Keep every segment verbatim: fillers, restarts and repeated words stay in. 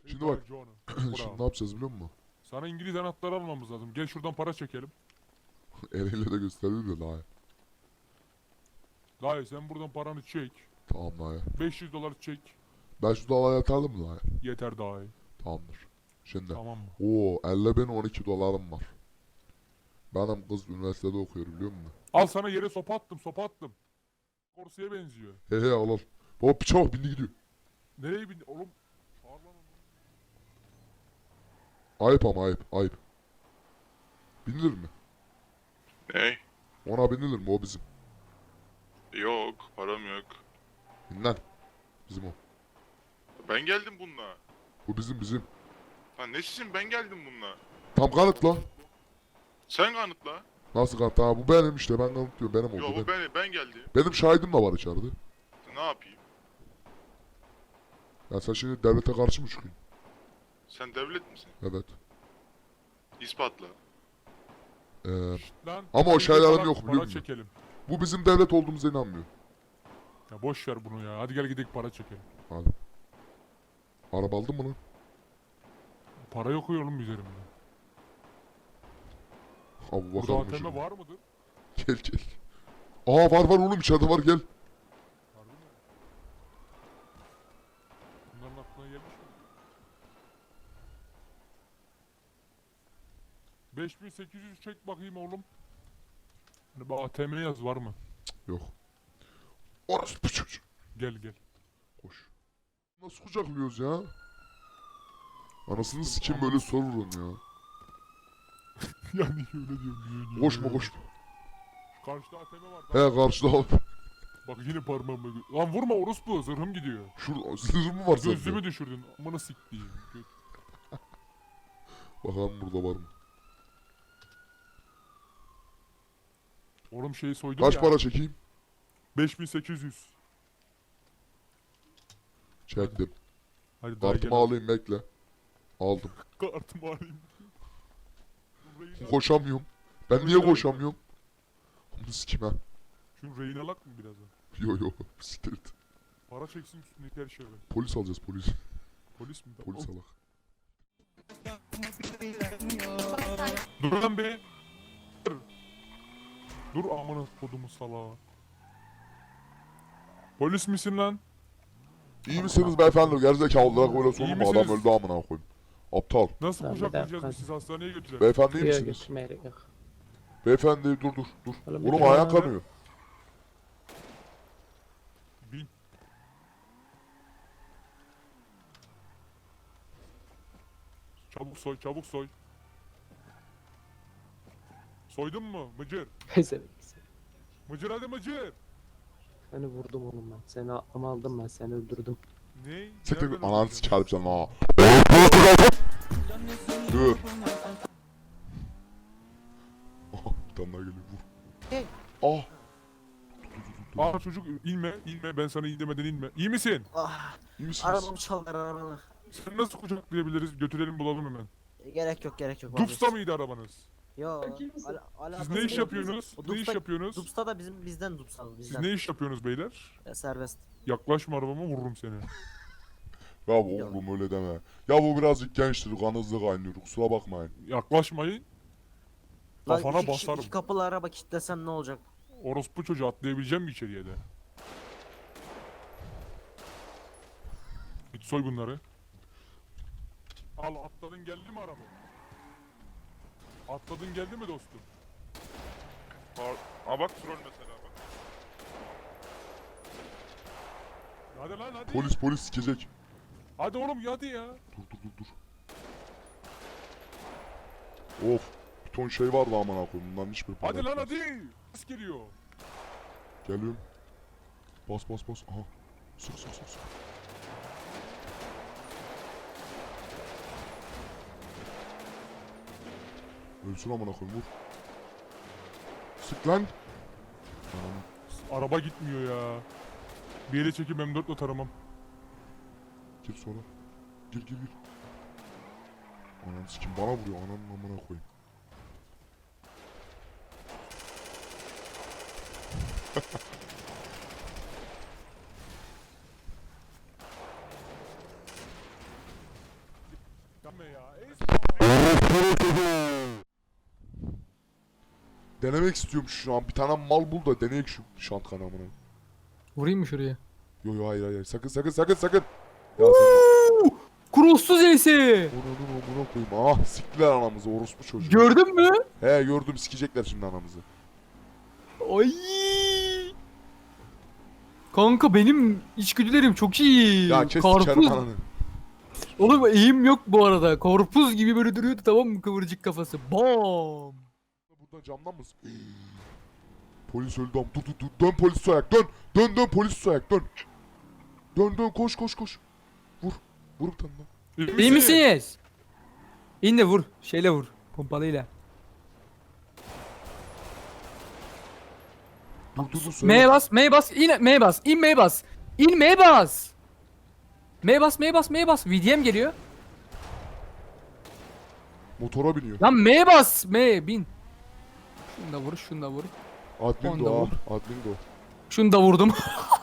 Şimdi bak. John. Şimdi ne yapacağız biliyor musun? Sana İngiliz anahtarı almamız lazım. Gel şuradan para çekelim. Eliyle de gösteriyor da daha. Dayı sen buradan paranı çek. Tamam daha. beş yüz dolar çek. Ben şu dolara yatardım mı daha? Yeter dayı. Tamamdır. Şimdi. Tamam mı? Oo elli bin on iki dolarım var. Benim kız üniversitede okuyor biliyor musun? Al sana yere sopa attım sopa attım. Korsiye benziyor. He he al al. Baba piça bak bindi gidiyor. Nereye bindi oğlum? Çağır lan onu. Ayıp ama ayıp ayıp. Binilir mi? Ne? Ona binilir mi o bizim? Yok, param yok. Bin lan. Bizim o. Ben geldim bununla. Bu bizim bizim. Ha ne sizin, ben geldim bununla. Tam kanıt lan. Sen kanıtla. Nasıl kanıt? Ha bu benim işte ben kanıtlıyorum benim oldu. Yok Benim, bu ben, ben geldim. benim şahidim de var içeride. Ne yapayım? Ya sen şimdi devlete karşı mı çıkıyorsun? Sen devlet misin? Evet. İspatla. Ee, Lan. Ama o hadi şeylerim para- yok, biliyor Para musun? çekelim. bu bizim devlet olduğumuza inanmıyor. Ya boş ver bunu ya. Hadi gel gidelim para çekelim. Hadi. Araba aldın mı lan? Para yok oğlum üzerimde. Abi Burada bakalım A T M şimdi. var mıdır? Gel gel. Aa var var oğlum içeride var gel. Harbi mi? Bunların aklına gelmiş mi? beş bin sekiz yüz çek bakayım oğlum. Hani bu A T M yaz var mı? Yok. Orası bu çocuk. Gel gel. Koş. Nasıl kucaklıyoruz ya? Anasını sikim böyle sorurum ya. Yani öyle diyorum. Niye, niye, Koşma niye? koşma. Karşıda A T M var. He karşıda al. Bak yine parmağımla gö- Lan vurma orospu zırhım gidiyor. Şurada zırh mı var sende? Gözlüğümü düşürdün. Amına siktiğim. Gö- Bakalım burada var mı? Oğlum şeyi soydum Kaç ya. para çekeyim? beş bin sekiz yüz. Çektim. Hadi daha Kartımı gel. alayım bekle. Aldım. Kartımı alayım. Rehin al- Koşamıyorum. Ben niye koşamıyorum? Bunu sikim ha. Şunu rehin alak mı birazdan? Yo yo. Siktir et. Para çeksin üstündeki her şeyi. Polis alacağız polis. Polis mi? Polis Oh. alak. Dur lan be. Dur. Dur amına kodumu salağa. Polis misin lan? İyi misiniz beyefendi? Gerizekalılar böyle sonu İyi mu? Adam misiniz? öldü amına koyayım. Aptal. Nasıl Lan bir kucaklayacağız dakika. biz sizi hastaneye götürelim? Beyefendi iyi Yok misiniz? götürmeye yok. Beyefendi dur dur dur. Oğlum, Oğlum bir ayağın dakika. kanıyor. Bin. Çabuk soy, çabuk soy. Soydun mu? Mıcır. Pezevenk. Mıcır hadi mıcır. Seni vurdum oğlum ben. Seni aklımı aldım ben. Seni öldürdüm. Ne? Siktir Nereden git ananı öldürdün? sikerim sen ha. Dur. Aha bir tane daha geliyor vur. Hey. Ah. Aa çocuk inme, inme. Ben sana in demeden inme. İyi misin? Ah, İyi misiniz? arabamı çaldılar arabamı. Sen nasıl kucaklayabiliriz? Götürelim bulalım hemen. Gerek yok gerek yok. Dupsta mıydı arabanız? Yo. Al, Siz ne iş yapıyorsunuz? O Ne iş Dupsta- yapıyorsunuz? Dupsta da bizim bizden Dupsta Siz bizden. ne iş yapıyorsunuz beyler? Ya, serbest. Yaklaşma arabama vururum seni. Ya bu oğlum öyle deme. Ya bu birazcık gençtir kan hızlı kaynıyor kusura bakmayın. Yaklaşmayın. Lan Kafana iki kişi- basarım. iki kapılı araba kilitlesem ne olacak? Orospu çocuğu atlayabileceğim mi içeriye de? Git soy bunları. Al atladın geldi mi araba? Atladın geldi mi dostum? Aa bak troll mesela bak. Hadi lan hadi. Polis polis sikecek. Hadi oğlum hadi ya. Dur dur dur dur. Of. Bir ton şey vardı amına koyayım. Bunların hiçbir para Hadi lan etmez. hadi. Ses geliyor. Geliyorum. Bas bas bas. Aha. Sık sık sık sık. Ölsün amına koyayım vur. Sık lan. Anam. Araba gitmiyor ya. Bir yere çekip M dörtle taramam. Gir sonra. Gir gir gir. Anam sikim bana vuruyor ananın amına koyayım. Yapma ya. Esma. Denemek istiyorum şu an. Bir tane mal bul da deneyek şu şant kanamını. Vurayım mı şuraya? Yo yo hayır hayır. Sakın sakın sakın sakın. Ya sen Crosssuz E'si. onu onu koyayım. Ah siktiler anamızı orospu çocuğu. Gördün mü? He gördüm sikecekler şimdi anamızı. Ay. Kanka benim içgüdülerim çok iyi. Ya kes Karpuz. sikerim ananı. Oğlum eğim yok bu arada. Karpuz gibi böyle duruyordu, tamam mı, kıvırcık kafası. Bam. Buradan camdan mısın? Polis öldü am. Dur dur dur. Dön polis soyak dön. Dön dön polis soyak dön. Dön dön koş koş koş. Vur. Vur bir tane daha. İyi misiniz? İn de vur. Şeyle vur. Pompalıyla. Dur dur dur söyle. M'ye bas, M'ye bas, in M'ye bas, in M'ye bas. İn M'ye bas. M'ye bas, M'ye bas, M'ye bas. V D M geliyor. Motora biniyor. Lan M'ye bas, M'ye bin. Şunu da vur, şunu da vur. Admin Onda de o vur. ha. Admin de o. Şunu da vurdum.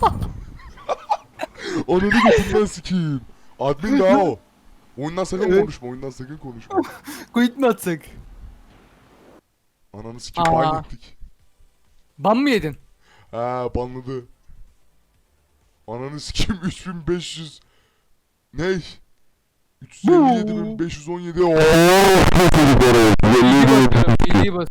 Ananı götünden sikeyim. Admin daha o. Oyundan sakın Evet. konuşma. Oyundan sakın konuşma. Quit mi atsak? Ananı sikeyim. Aa. Ban ettik. Ban mı yedin? Ha banladı. Ananı sikeyim üç bin beş yüz. Ne? üç yüz elli yedi bin beş yüz on yedi. Oo. Bilgi basıyorum, bilgi basıyorum.